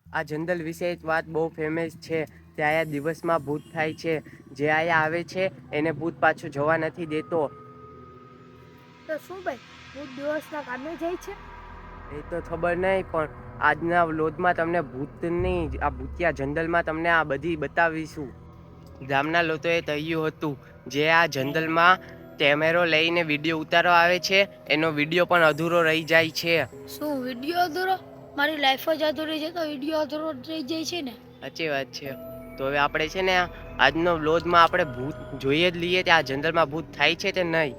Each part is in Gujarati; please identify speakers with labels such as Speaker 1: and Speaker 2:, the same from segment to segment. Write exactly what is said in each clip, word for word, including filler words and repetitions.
Speaker 1: આ જંગલ વિશે એક વાત બહુ ફેમસ છે. ત્યાં આયા દિવસમાં ભૂત થાય છે. જે આયા આવે છે એને ભૂત પાછું જવા નથી દેતો.
Speaker 2: તો શું ભાઈ ભૂત દિવસના કામે જાય છે?
Speaker 1: એ તો ખબર નહીં, પણ આજના વ્લોગમાં તમને ભૂતની આ ભૂતિયા જંગલમાં તમને આ બધી બતાવીશું. ગામના લોકોએ કહ્યું હતું જે આ જંગલમાં કેમેરો લઈને વિડીયો ઉતારવા આવે છે એનો વિડીયો પણ અધૂરો રહી જાય છે.
Speaker 2: શું વિડીયો અધૂરો? મારી લાઈફ જ અધૂરી છે તો વિડીયો અધૂરો રહી જાય છે ને?
Speaker 1: સાચી વાત છે. તો હવે આપણે છે ને આજનો વ્લોગમાં આપણે ભૂત જોઈએ જ લઈએ કે આ જંગલમાં ભૂત થાય છે કે નહીં.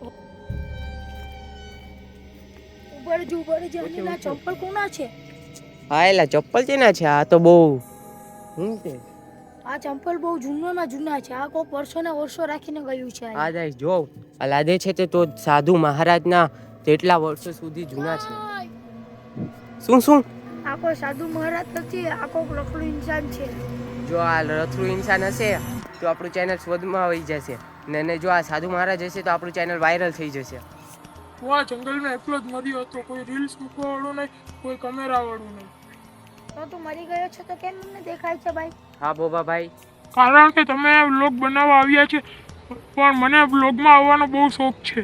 Speaker 2: ઉપર જ ઉપર જ અને આ ચંપલ કોના છે?
Speaker 1: હા એલા ચપ્પલ છે ને છે. આ તો બહુ શું છે?
Speaker 2: આ ચંપલ બહુ જૂનામાં જૂના છે. આ કોઈક વર્ષોના વર્ષો રાખીને ગયું છે.
Speaker 1: આ જાય જો આ લાદે છે તે તો સાધુ મહારાજના તેટલા વર્ષો સુધી જૂના છે. શું શું?
Speaker 2: આ કોઈ સાધુ મહારાજ નથી, આ કોઈક લખડું ઇન્સાન છે.
Speaker 1: જો આ રથરું ઇન્સાન હશે તો આપણું ચેનલ શોધમાં આવી જશે ને ને જો આ સાધુ મહારાજ હશે તો આપણું ચેનલ વાયરલ થઈ જશે.
Speaker 3: હું આ જંગલમાં એકલો જ મર્યો હતો. કોઈ રીલ્સ મૂકવા વાળું નહીં, કોઈ કેમેરા વાળું નહીં.
Speaker 2: તો તું મરી ગયો છે તો કેમ મને દેખાય છે ભાઈ?
Speaker 1: હા બોબા ભાઈ,
Speaker 3: કારણ કે તમે વ્લોગ બનાવવા આવ્યા છે, પણ મને વ્લોગમાં આવવાનો બહુ શોખ છે.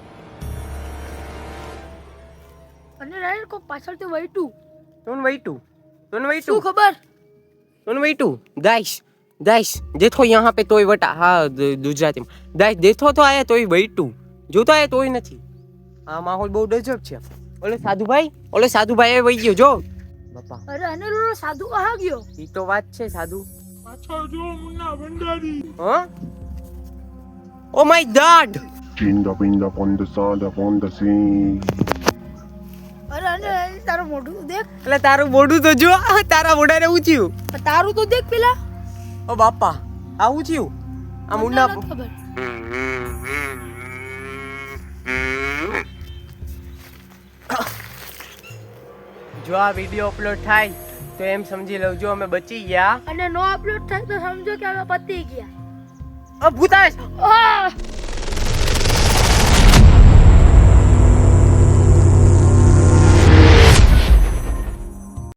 Speaker 2: અને રાઈડ કો પાછળથી વૈટું
Speaker 1: तुन वैटू तुन
Speaker 2: શું
Speaker 1: वैटू
Speaker 2: ખબર?
Speaker 1: तुन वैटू गाइस गाइस देखो यहाँ पे तोय वटा हाँ गुजराती में गाइस देखो तो आया तोय वैटू જોતો આયા તોય નથી. આ માહોલ બહુ ડજબ છે. ઓલે સાધુભાઈ ઓલે સાધુભાઈ વઈ ગયો જો બાપા.
Speaker 2: અરે અને લો સાધુ કહા ગયો?
Speaker 1: ઈ તો વાત છે સાધુ.
Speaker 3: પાછળ જો મુન્ના ભંડારી.
Speaker 1: હા oh my god.
Speaker 4: Chinda pinda ponda sada ponda sing.
Speaker 2: અરે અને તારું મોઢું દેખ.
Speaker 1: એટલે તારું મોઢું તો જો તારા મોઢાને ઊંચ્યું.
Speaker 2: તારું તો દેખ પેલા.
Speaker 1: ઓ બાપા આ ઊંચ્યું આ મુન્ના
Speaker 2: મને નથી ખબર.
Speaker 1: જો આ વિડીયો અપલોડ થાય તો એમ સમજી લઉં અમે બચી ગયા.
Speaker 2: અને નો અપલોડ થાય તો સમજો કે અમે પતી ગયા.
Speaker 1: અ ભૂતાશ
Speaker 2: આહ!